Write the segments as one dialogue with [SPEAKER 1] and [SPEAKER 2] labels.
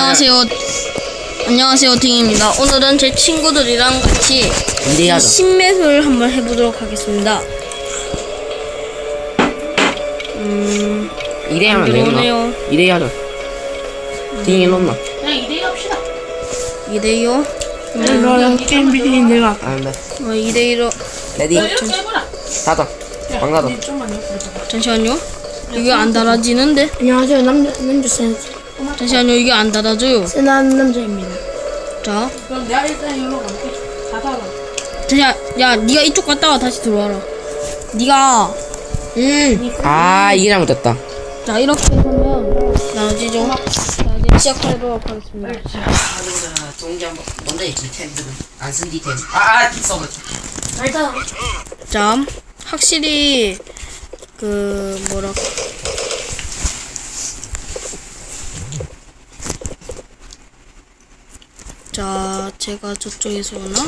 [SPEAKER 1] 안녕하세요. 안녕하세요, 딩입니다. 오늘은 제 친구들이랑 같이
[SPEAKER 2] 이래야죠.
[SPEAKER 1] 신맵을 한번 해보도록 하겠습니다.
[SPEAKER 2] 이래야면
[SPEAKER 1] 들어오네요.
[SPEAKER 2] 되겠나? 이래야죠. 딩이 놓나?
[SPEAKER 3] 그냥 2대2 합시다.
[SPEAKER 1] 2대2요?
[SPEAKER 3] 그냥 게임 비디는 내가.
[SPEAKER 2] 아, 네.
[SPEAKER 1] 2대2로.
[SPEAKER 2] 레디.
[SPEAKER 3] 이렇게 해보라.
[SPEAKER 2] 닫아. 방 닫아.
[SPEAKER 3] 좀만 옆으로.
[SPEAKER 1] 잠시만요. 이게 안 달아지는데?
[SPEAKER 4] 안녕하세요. 남주 센스.
[SPEAKER 1] 잠시만요. 이게 안 달아져요.
[SPEAKER 4] 센한 남자입니다.
[SPEAKER 1] 자,
[SPEAKER 3] 그럼 내가 일단 이리로 갈게. 닫아라.
[SPEAKER 1] 잠시만. 야, 네가 이쪽 갔다가 다시 들어와라. 네가
[SPEAKER 2] 아, 이게 잘못됐다.
[SPEAKER 1] 자, 이렇게 하면 나눠지죠? 자, 이제 시작하도록 하겠습니다.
[SPEAKER 2] 동기 한번. 뭔데, 이 템들은? 안 쓴 디템. 아, 써버렸어.
[SPEAKER 1] 자, 확실히 뭐랄까. 자, 제가 저쪽에서 오나?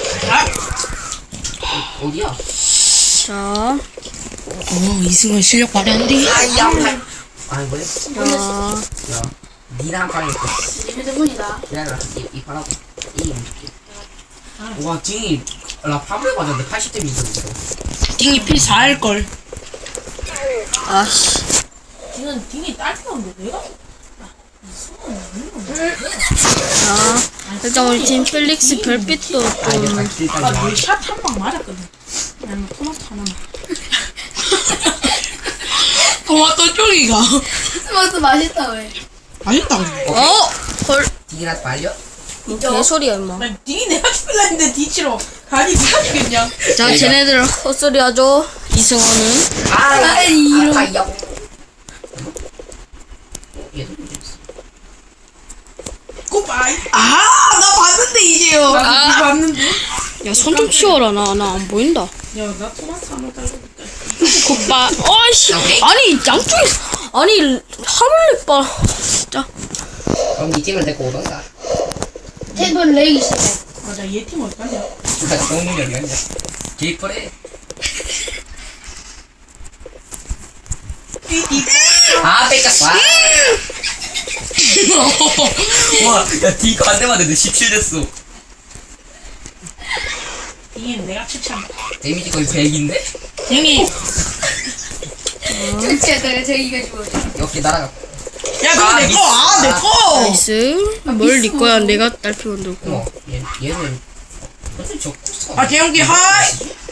[SPEAKER 2] 어디야?
[SPEAKER 1] 자,
[SPEAKER 3] 이승원 실력 발휘한디.
[SPEAKER 2] 아, 뭐야?
[SPEAKER 1] 자,
[SPEAKER 2] 야, 니랑 방에 있고.
[SPEAKER 4] 휴대폰이다.
[SPEAKER 2] 기다려라. 이 바라고. 이 움직여. 와, 딩이, 나 파브레 맞았는데 80대 미쳤어.
[SPEAKER 3] 딩이 피 4할걸.
[SPEAKER 1] 아씨.
[SPEAKER 3] 딩은 딩이 딸피는데 내가?
[SPEAKER 1] 자, 일단 우리 팀 펠릭스 별빛도
[SPEAKER 2] 아, 이게
[SPEAKER 1] 좀.
[SPEAKER 2] 80대까지.
[SPEAKER 3] 아까 샷한 방 맞았거든. 나는 토마토 하나만. 토마토 쪼리가.
[SPEAKER 4] 토마토 맛있다 왜?
[SPEAKER 3] 맛있다.
[SPEAKER 1] 어? 헐.
[SPEAKER 2] 딩이랑 말려?
[SPEAKER 1] 뭐 개소리야, 임마.
[SPEAKER 3] 나 딩이 내가 죽일라 했는데 뒤치러. 가니 누가 죽였냐?
[SPEAKER 1] 자, 쟤네들 헛소리 하죠. 이승원은.
[SPEAKER 2] 아이야. 얘도 문제있어.
[SPEAKER 3] 굿바이. 나 봤는데 이제요.
[SPEAKER 1] 아.
[SPEAKER 3] 나 봤는데.
[SPEAKER 1] 야, 손 좀 치워라. 나 안 보인다.
[SPEAKER 3] 야, 나 토마토 한번 따져볼게.
[SPEAKER 1] 굿바. 어이씨. 아니, 양쪽에서. 아니, 하늘색 봐. 자,
[SPEAKER 2] 그럼 니 팀을 데리고 오던가.
[SPEAKER 4] 텐돈 레이기 시작.
[SPEAKER 3] 맞아, 얘 팀 어디 갔냐?
[SPEAKER 2] 누가 정문이 어디 갔냐? 개이퍼래. 아, 뺏겼어. 와, 야, 딩거 한 대만 해도 17 됐어.
[SPEAKER 3] 딩이는 내가 추천.
[SPEAKER 2] 데미지 거의 100인데?
[SPEAKER 3] 딩이.
[SPEAKER 4] 좋지, 저기가 죽어.
[SPEAKER 2] 여기 날아가.
[SPEAKER 3] 야, 그거 내 거. 내 거.
[SPEAKER 1] 나이스. 뭘 네 거야. 내가 딸피 만들고.
[SPEAKER 2] 어, 얘는. 어차피 저 코스가.
[SPEAKER 3] 아, 재영기 하이.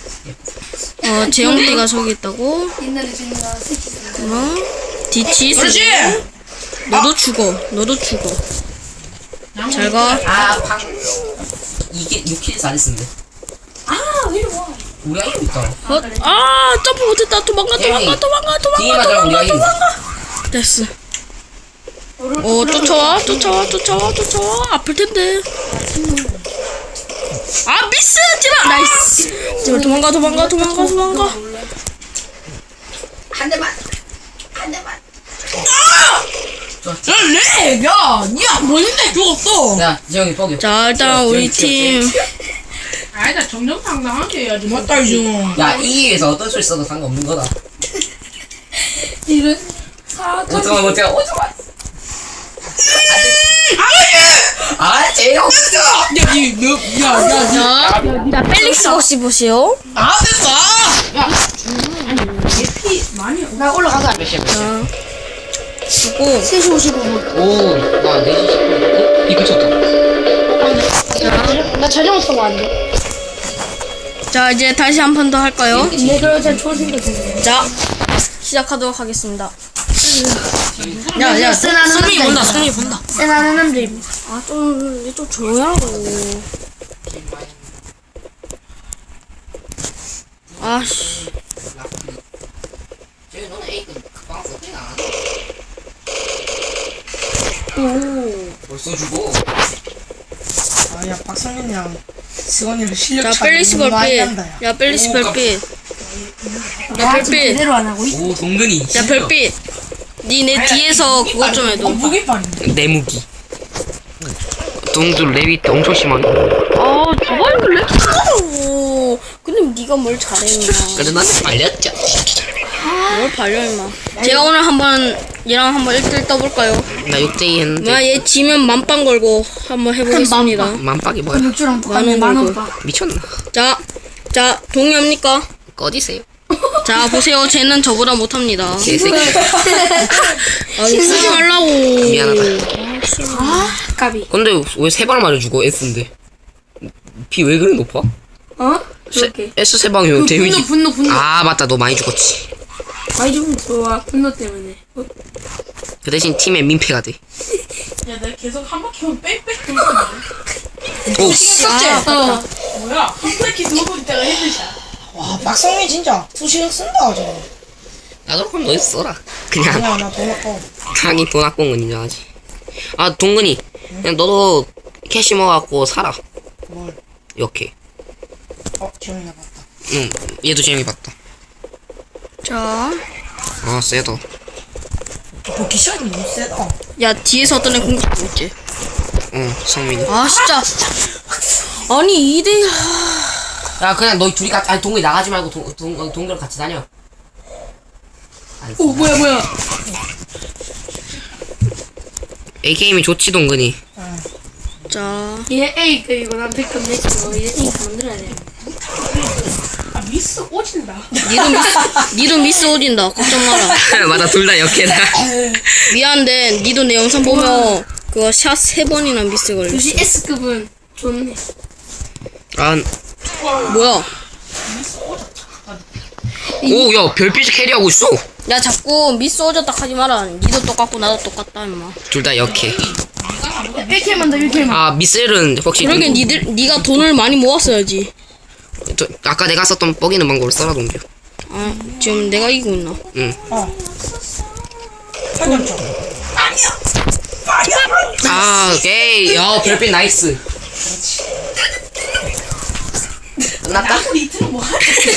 [SPEAKER 1] 재영띠가 저기 있다고.
[SPEAKER 4] 옛날에 저희가 새끼
[SPEAKER 1] 디치.
[SPEAKER 3] 그렇지.
[SPEAKER 1] 너도 죽어. 너도 죽어. 잘 가.
[SPEAKER 2] 아, 이게 6킬 잘했는데.
[SPEAKER 4] 이리 와.
[SPEAKER 2] 우리가 이거 있다.
[SPEAKER 1] 점프 못했다. 도망가.
[SPEAKER 2] 딩이 맞아, 우리가 이거.
[SPEAKER 1] 됐어. 쫓아와. 아플 텐데. 아, 미스! 제발! 나이스! 제발 도망가.
[SPEAKER 2] 한 대만.
[SPEAKER 3] 야, 렉! 야, 니가 뭔데 죽었어?
[SPEAKER 2] 야, 지영이 뻑여.
[SPEAKER 1] 자, 일단 우리 팀.
[SPEAKER 3] 아니다, 정정당당하게 해야지. 맞다, 이승원.
[SPEAKER 2] 야, 이 위에서 어떤 소리 써도 상관없는 거다.
[SPEAKER 4] 이런 사과.
[SPEAKER 2] 오지마. 아, 재영.
[SPEAKER 3] 야,
[SPEAKER 1] 자, 펠릭스 혹시 보시오.
[SPEAKER 3] 됐어! 야, 얘피 많이
[SPEAKER 4] 나 올라가자.
[SPEAKER 2] 몇 시야?
[SPEAKER 1] 자, 주고.
[SPEAKER 4] 3시 55분.
[SPEAKER 2] 오, 나 4시 10분. 이거 쳤다.
[SPEAKER 4] 나 자전거 타고 왔는데.
[SPEAKER 1] 자, 이제 다시 한 판 더 할까요?
[SPEAKER 4] 네, 그럼 제가 초생겼는데.
[SPEAKER 1] 자, 시작하도록 하겠습니다. 야,
[SPEAKER 4] 승리 본다. 센한 남자입니다.
[SPEAKER 1] 아, 좀 조용히 하라고. 아씨.
[SPEAKER 2] 저기 너는 A급 그방 썼지 나. 벌써 주고.
[SPEAKER 3] 야, 박성현이랑 승원이랑 실력
[SPEAKER 1] 자,
[SPEAKER 3] 차
[SPEAKER 1] 펠릭스
[SPEAKER 3] 너무 많이
[SPEAKER 1] 별빛.
[SPEAKER 3] 난다, 야.
[SPEAKER 1] 야, 펠릭스
[SPEAKER 2] 오,
[SPEAKER 1] 별빛. 야, 별빛.
[SPEAKER 4] 제대로 안 하고 있어.
[SPEAKER 2] 오, 동근이.
[SPEAKER 1] 야, 별빛. 니 내 뒤에서 그것 좀 해도.
[SPEAKER 3] 무기빨인데.
[SPEAKER 2] 내 무기. 동들 랩이 엄청 심하네.
[SPEAKER 1] 아, 저번에 렉 하라고. 근데 네가 뭘 잘했냐.
[SPEAKER 2] 그래, 나한테 말렸죠.
[SPEAKER 1] 뭘 발려, 임마. 제가 오늘 한번 얘랑 한번 1대1 떠볼까요?
[SPEAKER 2] 나 6대2 했는데.
[SPEAKER 1] 나 얘 지면 만빵 걸고 한번 해보겠습니다.
[SPEAKER 2] 만박이 뭐야?
[SPEAKER 4] 육주랑 똑같네.
[SPEAKER 1] 만원
[SPEAKER 4] 만원
[SPEAKER 1] 걸고.
[SPEAKER 4] 봐.
[SPEAKER 2] 미쳤나?
[SPEAKER 1] 자, 동의합니까?
[SPEAKER 2] 꺼지세요.
[SPEAKER 1] 자, 보세요. 쟤는 저보다 못합니다.
[SPEAKER 2] 개새끼.
[SPEAKER 1] 아, 이거 쓰지 말라고.
[SPEAKER 2] 미안하다.
[SPEAKER 4] 아, 까비.
[SPEAKER 2] 근데 왜 세 발 맞아 죽어? S인데. 비 왜 그래 높아?
[SPEAKER 4] 어? 그렇게.
[SPEAKER 2] S 세 방이면 데미지.
[SPEAKER 3] 분노.
[SPEAKER 2] 아 맞다, 너 많이 죽었지.
[SPEAKER 4] 많이 좀 좋아. 분노 때문에. 어?
[SPEAKER 2] 그 대신 팀의 민폐가 돼.
[SPEAKER 3] 야, 내가 계속 한 바퀴만 빽빽 돌고
[SPEAKER 2] 오.
[SPEAKER 4] 어.
[SPEAKER 3] 뭐야? 한 바퀴 돌고 있다가 헤드샷.
[SPEAKER 5] 와 박성민 진짜 수시력 쓴다 저거.
[SPEAKER 2] 나도 그럼 너 써라. 그냥
[SPEAKER 5] 아니야 나 돈 아까워.
[SPEAKER 2] 강이 돈 아까운 건 인정하지. 아 동근이, 그냥 너도 캐시 먹어갖고 살아.
[SPEAKER 5] 뭘?
[SPEAKER 2] 이렇게.
[SPEAKER 5] 지원이나 봤다.
[SPEAKER 2] 응, 얘도 재미 봤다.
[SPEAKER 1] 자,
[SPEAKER 2] 아 세다.
[SPEAKER 5] 복귀 시간이 너무 세다.
[SPEAKER 1] 야, 뒤에서 어떤 애 공격하고 있지?
[SPEAKER 2] 응, 성민이.
[SPEAKER 1] 아, 진짜. 아니, 2대1.
[SPEAKER 2] 야 그냥 너희 둘이 같이, 아니 동근이 나가지 말고 동근이랑 같이 다녀.
[SPEAKER 3] 오, 뭐야.
[SPEAKER 2] AK임이 좋지 동근이.
[SPEAKER 1] 자,
[SPEAKER 4] 얘 A급이고 난 B급 내치고 얘 A급 만들어야 돼.
[SPEAKER 3] 아, 미스 오진다.
[SPEAKER 1] 니도 미스 오진다. 걱정 마라.
[SPEAKER 2] 맞아, 둘 다 역해다.
[SPEAKER 1] 미안한데, 니도 내 영상 보면 그거 샷 3번이나 미스 걸려.
[SPEAKER 4] 역시 S급은 좋네.
[SPEAKER 2] 아,
[SPEAKER 1] 뭐야?
[SPEAKER 2] 오, 야 별빛이 캐리하고 있어.
[SPEAKER 1] 야, 자꾸 미스 오졌다 하지 마라. 니도 똑같고 나도 똑같다, 임마.
[SPEAKER 2] 둘 다 역해.
[SPEAKER 4] 1킬만 더 1킬만.
[SPEAKER 2] 아 미셀은 혹시
[SPEAKER 1] 그러게 니가 돈을 많이 모았어야지.
[SPEAKER 2] 아까 내가 썼던 뻐기는 방법을 써라 동규.
[SPEAKER 1] 아, 지금 내가 이기고 있나?
[SPEAKER 2] 응.
[SPEAKER 5] 8점점.
[SPEAKER 2] 아 오케이. 야 별빛 나이스. 끝났다?
[SPEAKER 3] 리트는 뭐 하냐?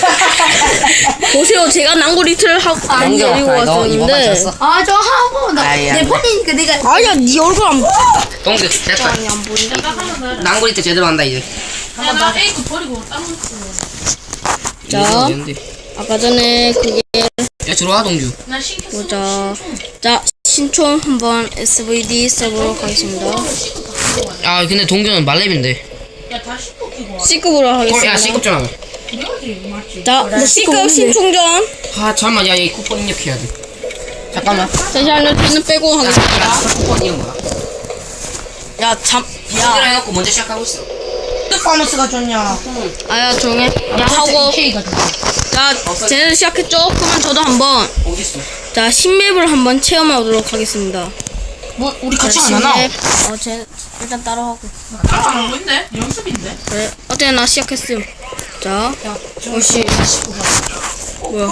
[SPEAKER 1] 보세요, 제가 낭고리트를 하고 안
[SPEAKER 2] 동규
[SPEAKER 1] 데리고
[SPEAKER 2] 너 이거
[SPEAKER 1] 왔었는데.
[SPEAKER 2] 맞췄어?
[SPEAKER 4] 아, 저 하고
[SPEAKER 2] 아이,
[SPEAKER 4] 나내 폰이니까 내가
[SPEAKER 1] 아야, 니 얼굴 안
[SPEAKER 2] 동규 됐다.
[SPEAKER 1] 안 보인다.
[SPEAKER 2] 낭구리 때 제대로 한다 이제.
[SPEAKER 3] 야, 나 A급 버리고 딴 거 쓰.
[SPEAKER 1] 자, 아까 전에 그게
[SPEAKER 2] 야 들어와 동규.
[SPEAKER 3] 나 신경 쓰.
[SPEAKER 1] 보자. 자, 신촌 한번 SVD 써보러 가겠습니다.
[SPEAKER 2] 아 근데 동규는 말렙인데.
[SPEAKER 3] 야, 다 씹고 끼고 와.
[SPEAKER 1] C급으로
[SPEAKER 2] 야
[SPEAKER 1] 하겠습니다.
[SPEAKER 2] C급 좀 하자.
[SPEAKER 3] 그래야지, 맞지?
[SPEAKER 1] 자, C급 신충전.
[SPEAKER 2] 아 잠깐만, 야이 쿠폰 입력해야 돼. 잠깐만.
[SPEAKER 1] 잠시만요, 저는 빼고 하겠습니다.
[SPEAKER 2] 야 쿠폰 이름 뭐야?
[SPEAKER 1] 야,
[SPEAKER 2] 비스를 해놓고 먼저 시작하고 있어.
[SPEAKER 5] 파머스가 좋냐?
[SPEAKER 1] 아야, 조용해. 야, 하고. 자, 쟤네들 시작했죠? 그러면 저도 한번.
[SPEAKER 2] 어딨어?
[SPEAKER 1] 자, 신맵을 한번 체험하도록 하겠습니다.
[SPEAKER 5] 뭐 우리 같이
[SPEAKER 1] 자,
[SPEAKER 5] 안 하나?
[SPEAKER 1] 신맵. 쟤 일단 따라하고.
[SPEAKER 3] 안 하고 있네? 연습인데?
[SPEAKER 1] 그래, 어때? 나 시작했음. 자, 오씨. 뭐야?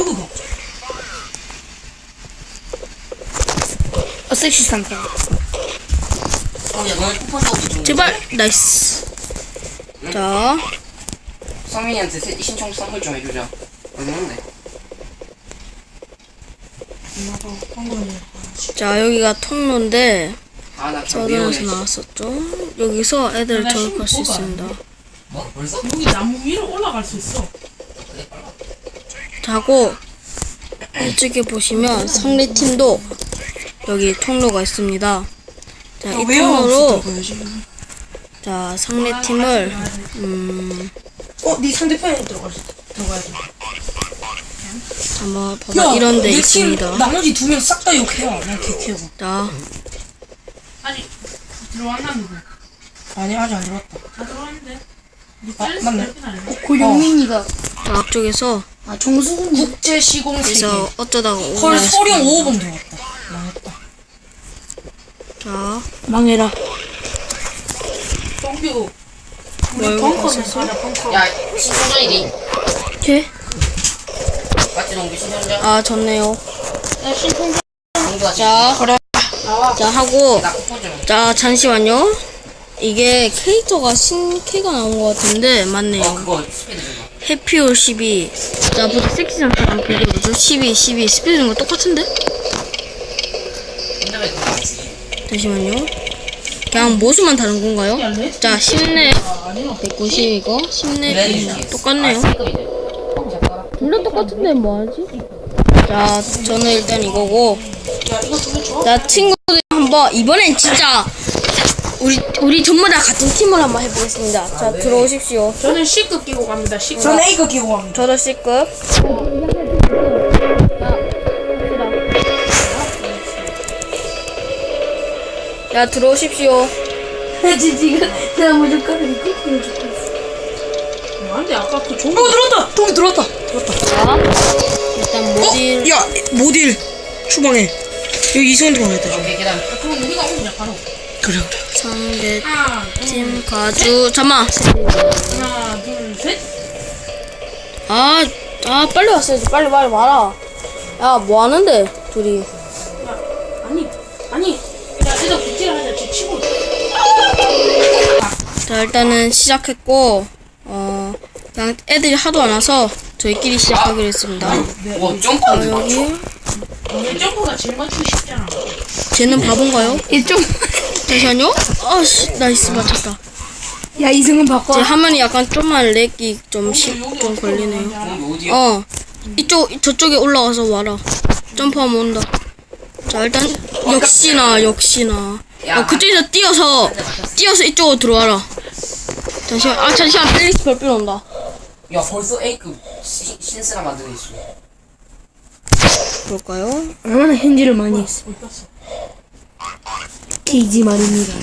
[SPEAKER 4] 섹시 산타.
[SPEAKER 2] 야 너네 쿠폰 사고 싶은
[SPEAKER 1] 제발, 나이스. 자,
[SPEAKER 2] 성민이한테 신청 선물 좀 해주자. 얼마인데?
[SPEAKER 1] 자, 여기가 통로인데,
[SPEAKER 2] 아나
[SPEAKER 1] 저번에서 나왔었죠? 여기서 애들 저격할 수 있습니다.
[SPEAKER 2] 뭐? 벌써?
[SPEAKER 3] 여기 나무 위로 올라갈 수 있어.
[SPEAKER 1] 자고, 이쪽에 보시면 상대팀도 여기 통로가 있습니다. 자, 이 통로로, 자, 상대팀을,
[SPEAKER 5] 네 상대편에 들어가야 돼.
[SPEAKER 1] 한번 봐봐. 이런 데
[SPEAKER 5] 내
[SPEAKER 1] 있습니다.
[SPEAKER 5] 팀 나머지 2명 싹 다 욕해요. 난 개캐고.
[SPEAKER 1] 자,
[SPEAKER 3] 아니, 들어왔나, 누구?
[SPEAKER 5] 아니 아직 안 들어왔다.
[SPEAKER 3] 다 들어왔는데?
[SPEAKER 5] 맞네.
[SPEAKER 4] 고용민이가.
[SPEAKER 1] 자, 앞쪽에서,
[SPEAKER 4] 아, 정수군.
[SPEAKER 5] 국제 시공 세계.
[SPEAKER 1] 그래서 어쩌다가
[SPEAKER 5] 헐
[SPEAKER 1] 오냐.
[SPEAKER 5] 소령 5번 들어왔다. 망했다.
[SPEAKER 1] 자,
[SPEAKER 4] 망해라.
[SPEAKER 3] 동규.
[SPEAKER 1] 뭘
[SPEAKER 3] 벙커는 가자, 벙커.
[SPEAKER 2] 야 신청전이지.
[SPEAKER 1] 이렇게?
[SPEAKER 2] 맞지 동규 신청전?
[SPEAKER 1] 아, 좋네요.
[SPEAKER 2] 동규가
[SPEAKER 1] 자, 자, 하고,
[SPEAKER 2] 나 쿠폰 좀.
[SPEAKER 1] 자, 잠시만요. 이게 캐릭터가 신캐가 나온 것 같은데, 맞네요.
[SPEAKER 2] 그거 스피드 좀 봐.
[SPEAKER 1] 해피올 12. 자, 보다 섹시장타랑 비교해보죠. 12, 스피드 준거 똑같은데?
[SPEAKER 2] 인터넷 그거 안 쓰지.
[SPEAKER 1] 잠시만요. 그냥 모수만 다른 건가요? 자, 10렙, 190 이거, 10렙, 똑같네요. 둘 다 똑같은데 뭐하지? 자, 저는 일단 이거고. 자, 친구들이 한번 이번엔 진짜 우리 전부 다 같은 팀을 한번 해보겠습니다. 자, 들어오십시오.
[SPEAKER 3] 저는 C급 끼고 갑니다. C급.
[SPEAKER 5] 전 A급 끼고 갑니다.
[SPEAKER 1] 저도 C급. 야, 들어오십시오.
[SPEAKER 4] 지금 내가 무조건 거꾸로 죽고 있어.
[SPEAKER 3] 안돼 아까 그 종이.
[SPEAKER 5] 들어왔다. 동이 들어왔다.
[SPEAKER 1] 자, 일단 모딜.
[SPEAKER 5] 야 모딜 추방해. 여기 이승원 들어가야겠다.
[SPEAKER 2] 오케이 계단.
[SPEAKER 3] 그럼 우리가 오냐 바로.
[SPEAKER 5] 그래.
[SPEAKER 1] 상대
[SPEAKER 3] 하나,
[SPEAKER 1] 팀 가주. 잠만.
[SPEAKER 3] 하나, 둘, 셋.
[SPEAKER 1] 아, 빨리 왔어야지. 빨리 와라. 야, 뭐 하는데, 둘이.
[SPEAKER 3] 야, 아니. 야, 얘들 굿질을 하자. 쟤 치고.
[SPEAKER 1] 자, 일단은 시작했고, 그냥 애들이 하도 안 와서 저희끼리 시작하기로 했습니다.
[SPEAKER 2] 와 점프하는 거
[SPEAKER 1] 여기,
[SPEAKER 2] 맞춰?
[SPEAKER 3] 얘 점프가 제일 맞추기 쉽잖아.
[SPEAKER 1] 쟤는 바본가요?
[SPEAKER 4] 이좀
[SPEAKER 1] 잠시만요. 아씨, 나이스, 맞췄다.
[SPEAKER 4] 야 이승은 바꿔.
[SPEAKER 1] 제 화면이 약간 좀만 렉이 좀 걸리네요.
[SPEAKER 2] 여기 어디야?
[SPEAKER 1] 저쪽에 올라와서 와라. 점프하면 온다. 자, 일단, 역시나. 그쪽에서 뛰어서 이쪽으로 들어와라. 잠시만, 펠릭스 별빛 온다.
[SPEAKER 2] 야 벌써 A급 신스나 만들고 있어.
[SPEAKER 1] 볼까요?
[SPEAKER 4] 얼마나 현질을 많이 했어. 케이지 말입니다.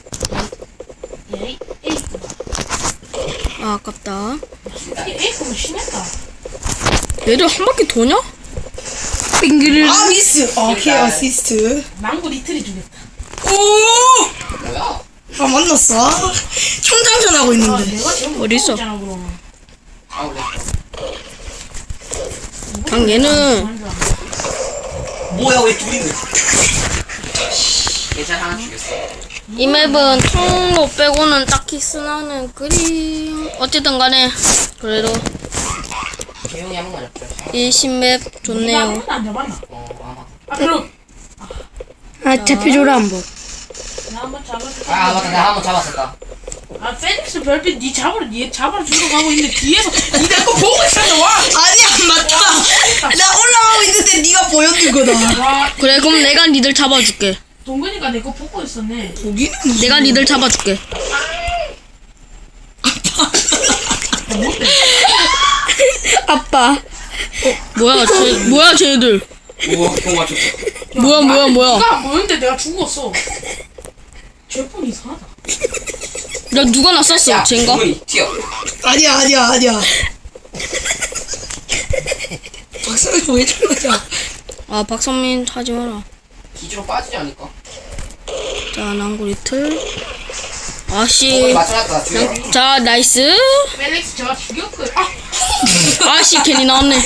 [SPEAKER 1] 아, 아깝다.
[SPEAKER 3] A급은 심했다.
[SPEAKER 1] 얘들 한 바퀴 도냐?
[SPEAKER 4] 빙그를.
[SPEAKER 5] 아 미스. 오케이 어시스트.
[SPEAKER 3] 망고 리틀이 주겠다.
[SPEAKER 5] 오.
[SPEAKER 2] 뭐야?
[SPEAKER 5] 아 만났어. 총장전 하고 있는데.
[SPEAKER 3] 내가 지금
[SPEAKER 1] 어딨어?
[SPEAKER 3] 있잖아 그러면.
[SPEAKER 2] 아 그래.
[SPEAKER 1] 그냥 얘는
[SPEAKER 2] 뭐야 왜 둘이는? 예전 하나 죽였어.
[SPEAKER 1] 이 맵은 통로 빼고는 딱히 쓰나는 그리 어쨌든 간에 그래도
[SPEAKER 2] 조용히 한 번만 잡자.
[SPEAKER 1] 이 신맵
[SPEAKER 3] 네가 한
[SPEAKER 1] 좋네요.
[SPEAKER 3] 번도 안 잡았나?
[SPEAKER 2] 아마.
[SPEAKER 3] 아 그럼
[SPEAKER 4] 아 잡혀줘라 한번.
[SPEAKER 3] 나 한번 잡아줄게.
[SPEAKER 2] 아 맞다 나 한 번 잡았었다.
[SPEAKER 3] 아 페닉스 별빛 니 잡아주러 가고 있는데 뒤에서 니 내 거 보고 있었는데 와.
[SPEAKER 5] 아니야 맞다. 나 올라가고 있는데 네가 보여준 거다.
[SPEAKER 3] 와
[SPEAKER 1] 그래, 그럼 내가 니들 잡아줄게.
[SPEAKER 3] 동근이가 내 거 보고 있었네.
[SPEAKER 5] 보기는
[SPEAKER 1] 내가 니들 잡아줄게. 아빠. 뭐야 쟤들.
[SPEAKER 2] 우와 형 맞췄어.
[SPEAKER 1] 뭐야.
[SPEAKER 3] 니가 안 보였는데 내가 죽었어. 쟤뿐 이상하다.
[SPEAKER 1] 야, 누가 나 쐈어? 쟤인가?
[SPEAKER 2] 주문이 튀어.
[SPEAKER 5] 아니야. 박사님 왜 저러냐?
[SPEAKER 1] 아, 박성민 하지 마라.
[SPEAKER 2] 기지로 빠지지 않을까?
[SPEAKER 1] 자, 난구 리틀.
[SPEAKER 2] 거기
[SPEAKER 1] 아씨.
[SPEAKER 2] 맞춰놨다. 죽여.
[SPEAKER 1] 자, 나이스.
[SPEAKER 3] 펠릭스 제가 죽였고요.
[SPEAKER 1] 아씨, 괜히 나왔네.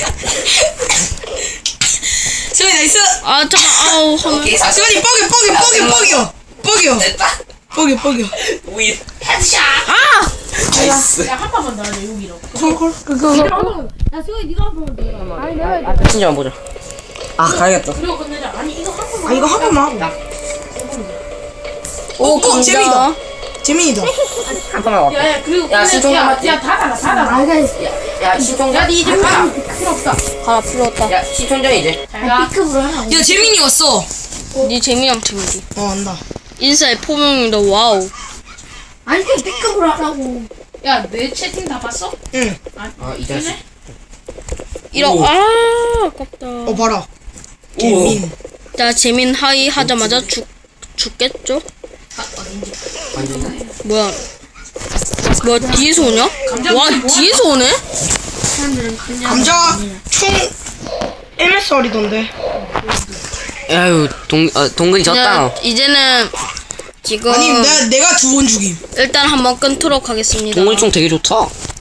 [SPEAKER 5] 승희 나이스.
[SPEAKER 1] 아, 잠깐, 아우, 화면.
[SPEAKER 2] 오케이 사실.
[SPEAKER 5] 승희 뻐겨.
[SPEAKER 2] 됐다.
[SPEAKER 5] 뻐겨.
[SPEAKER 2] 우이.
[SPEAKER 3] 헤드샷.
[SPEAKER 1] 아!
[SPEAKER 2] 나이스.
[SPEAKER 3] 야 한 번만 더 하자 여기로.
[SPEAKER 5] 콜.
[SPEAKER 4] 야 승우 네가 한번 들어가.
[SPEAKER 2] 진짜 보자. 아 가야겠다.
[SPEAKER 3] 그리고 끝내자. 아니 이거 한 번만.
[SPEAKER 5] 아 이거 한 번만 하고. 오 재민이다. 재민이다.
[SPEAKER 2] 한 번만 와.
[SPEAKER 3] 야야 그리고
[SPEAKER 2] 야,
[SPEAKER 3] 끝내-
[SPEAKER 2] 시종자 맞지?
[SPEAKER 3] 야 닫아라.
[SPEAKER 2] 야 시청자.
[SPEAKER 3] 야니 이제 가라. 필요 없다.
[SPEAKER 1] 가라, 필요 없다.
[SPEAKER 2] 야 시청자 이제.
[SPEAKER 3] 자
[SPEAKER 4] B급으로 하나.
[SPEAKER 5] 야 재민이 왔어.
[SPEAKER 1] 니 재민이랑 팀이지.
[SPEAKER 5] 안다.
[SPEAKER 1] 인사의 포명입니다, 와우.
[SPEAKER 4] 아니 그냥 B급으로 하라고.
[SPEAKER 3] 야 내 채팅 다 봤어?
[SPEAKER 5] 응.
[SPEAKER 2] 이 자식.
[SPEAKER 1] 이런,
[SPEAKER 2] 오.
[SPEAKER 1] 아깝다.
[SPEAKER 5] 봐라.
[SPEAKER 2] 오.
[SPEAKER 5] 재민.
[SPEAKER 1] 자, 재민 하이 하자마자 죽겠죠?
[SPEAKER 2] 완전.
[SPEAKER 1] 뭐야, 뒤에서 오냐? 와, 뒤에서 오네?
[SPEAKER 4] 사람들은 그냥
[SPEAKER 5] 감자 총 MSR이던데.
[SPEAKER 2] 아유 동근이
[SPEAKER 1] 이제는 지금
[SPEAKER 5] 아니 내가 두 번 죽임.
[SPEAKER 1] 일단 한번 끊도록 하겠습니다.
[SPEAKER 2] 동근이 총 되게 좋다.